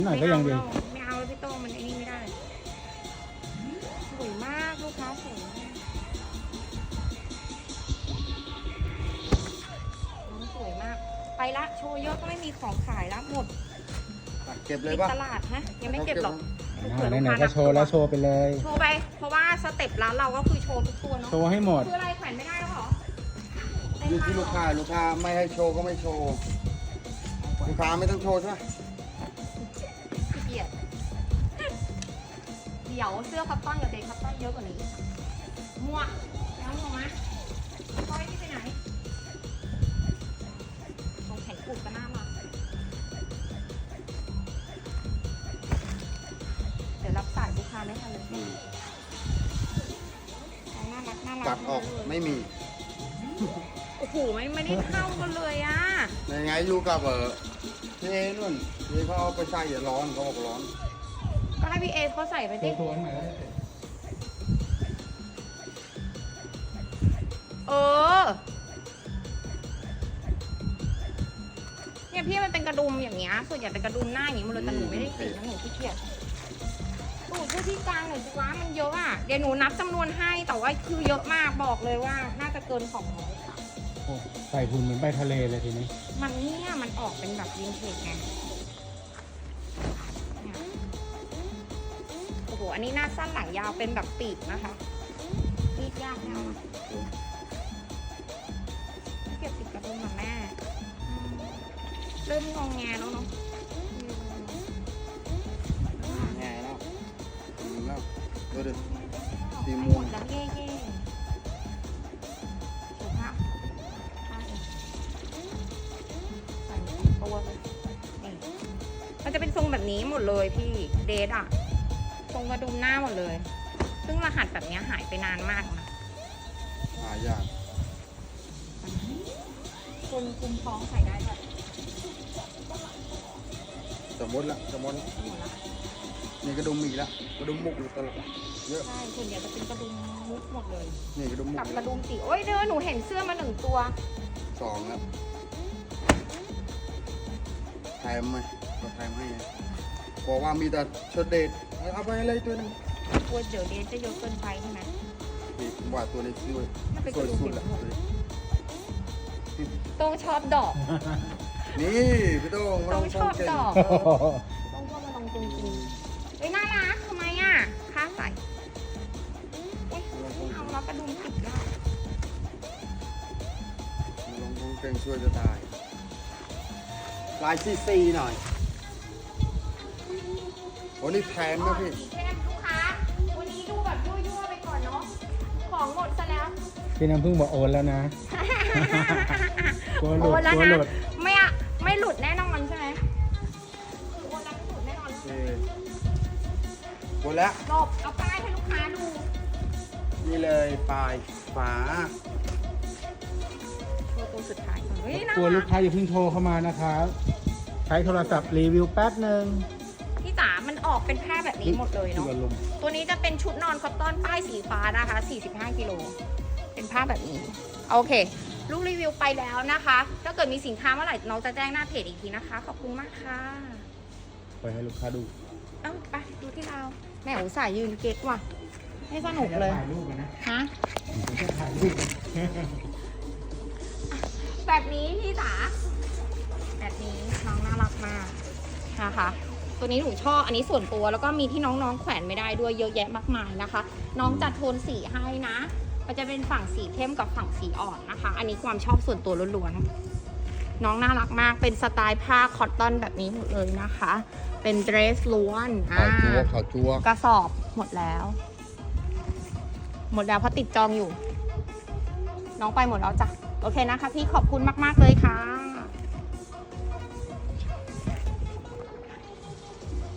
หน่อยก็ยังดีไม่เอาพี่โต้งมันไอ้นี่ไม่ได้สวยมากลูกค้าสวยมากสวยมากไปละโชว์เยอะก็ไม่มีของขายละหมดเก็บเลยปิดป่ะตลาดฮะยังไม่เก็บหรอกไหนๆก็โชว์แล้วโชว์ไปเลยโชว์ไปเพราะว่าสเต็ปร้านเราก็คือโชว์ทุกตัวเนาะโชว์ให้หมดคืออะไรแขวนไม่ได้แล้วเหรออยู่ที่ลูกค้าไม่ให้โชว์ก็ไม่โชว์ลูกค้าไม่ต้องโชว์ใช่ไหมขี้เกียจเดี๋ยวเสื้อคัตตอนกับเดย์คัตตอนเยอะกว่านี้หมวกแล้วหมวกมาก้อยที่ไปไหนตรงแขนกุดก็น่ารักเดี๋ยวรับสายลูกค้าไม่ทันเลยน่ารักน่ารักตัดออกไม่มีโอ้โหไม่ได้เข้ากันเลยอ่ะยังไงอยู่กับพี่เอนู่นพี่เขาเอาไปใส่อย่าร้อนเขาบอกร้อนก็ให้พี่เอเขาใส่ไปดิโชว์หน่อยเออเนี่ยพี่มันเป็นกระดุมอย่างเงี้ยส่วนใหญ่เป็นกระดุมหน้าอย่างงี้หมันเลยแต่หนูไม่ได้ติดนะหนูขี้เกียจตูดช่วยที่กลางหน่อยสิวะมันเยอะอ่ะเดี๋ยวหนูนับจำนวนให้แต่ว่าคือเยอะมากบอกเลยว่าน่าจะเกิน200ค่ะโอ้ใส่หุ่นเหมือนไปทะเลเลยทีนี้มันเนี่ยมันออกเป็นแบบวินเทจไงเนี่ยโอ้โหอันนี้หน้าสั้นหลังยาวเป็นแบบปีกนะคะปีกยากแน่เก็บติดกระดุมมาแม่เริ่มงองแงแล้วเนาะแง่แล้วดูดิ สีไม่ม่หวมงดแล้วเย่เย่สุภาพใส่ตัวเลยนี่มันจะเป็นทรงแบบนี้หมดเลยพี่เดทอะทรงกระดุมหน้าหมดเลย ซึ่งรหัสแบบนี้หายไปนานมากนะหายากคนคุมท้องใส่ได้แบบสมมตินี่กระดุมอีกแล้วกระดุมมุกอยู่ตลอดเยอะใช่ส่วนใหญ่จะเป็นกระดุมมุกหมดเลยนี่กระดุมมุกกับกระดุมสีโอ้ยเด้อหนูเห็นเสื้อมา1 ตัว 2แล้วแถมไหมก็แถมให้บอกว่ามีแต่ชุดเดทเอาไปอะไรตัวนึงกลัวเดี๋ยวเดทจะเยอะเกินไปใช่ไหมนี่ว่าตัวนี้สวยมันเป็นสกวยระดุมสุสีดละหมดต้องชอบดอกนี่พี่โต้งมาลต้ออง งชฟัอง บเก่งดอก ต้องชอบมาลองจริงๆเฮ้ยน่ารักทำไมอ่ะค้าใส่เอ๊ะไม่เอาแล้วกระดุมติดได้มาลองฟังเก่งช่วยจะตายลายซีหน่อยโอ้นี่แถมนะพี่สีเข้มลูกค้าวันนี้ดูแบบยั่วๆไปก่อนเนาะของหมดซะแล้วพี่น้ำพึ่งบอกโอนแล้วนะ กลัวหลุดโอนแล้วกลัวนะหลุดไม่หลุดแน่นอนใช่ไหมโอนแล้วไม่หลุดแน่นอนหมดแล้วจบเอาป้ายให้ลูกค้าดูนี่เลยปลายฝาโชว์ตัวสุดท้ายก่อนเฮ้ยน่ากลัวลูรักกค้าอย่าเพิ่งโทรเข้ามานะครับ ใช้โทรศัพท์รีวิวแป๊บหนึ่งพี่จ๋ามันออกเป็นผ้าแบบนี้หมดเลยที่เนาะอารมณ์ตัวนี้จะเป็นชุดนอนคอตตอนป้ายสีฟ้านะคะ45 กิโลเป็นผ้าแบบนี้โอเคลูกรีวิวไปแล้วนะคะ ถ้าเกิดมีสินค้าเมื่อไหร่น้องจะแจ้งหน้าเพจอีกทีนะคะขอบคุณมากค่ะไปให้ลูกค้าดูเอ้าไปดูที่เราแม่อุตส่าห์ยืนเก๊กว่ะให้สนุกเลยถ่ายรูปนะฮะถ่ายรูปแบบนี้พี่จ๋าแบบนี้น้องน่ารักมากนะคะตัวนี้หนูชอบอันนี้ส่วนตัวแล้วก็มีที่น้องๆแขวนไม่ได้ด้วยเยอะแยะมากมายนะคะ น้องจัดโทนสีให้นะมันจะเป็นฝั่งสีเข้มกับฝั่งสีอ่อนนะคะ อันนี้ความชอบส่วนตัวล้วนๆน้องน่ารักมากเป็นสไตล์ผ้าคอตตอนแบบนี้หมดเลยนะคะ เป็นเดรสล้วนขาวจัวกระสอบหมดแล้ว หมดแล้วเพราะติดจองอยู่ น้องไปหมดแล้วจ้ะโอเคนะคะพี่ขอบคุณมากๆเลยค่ะ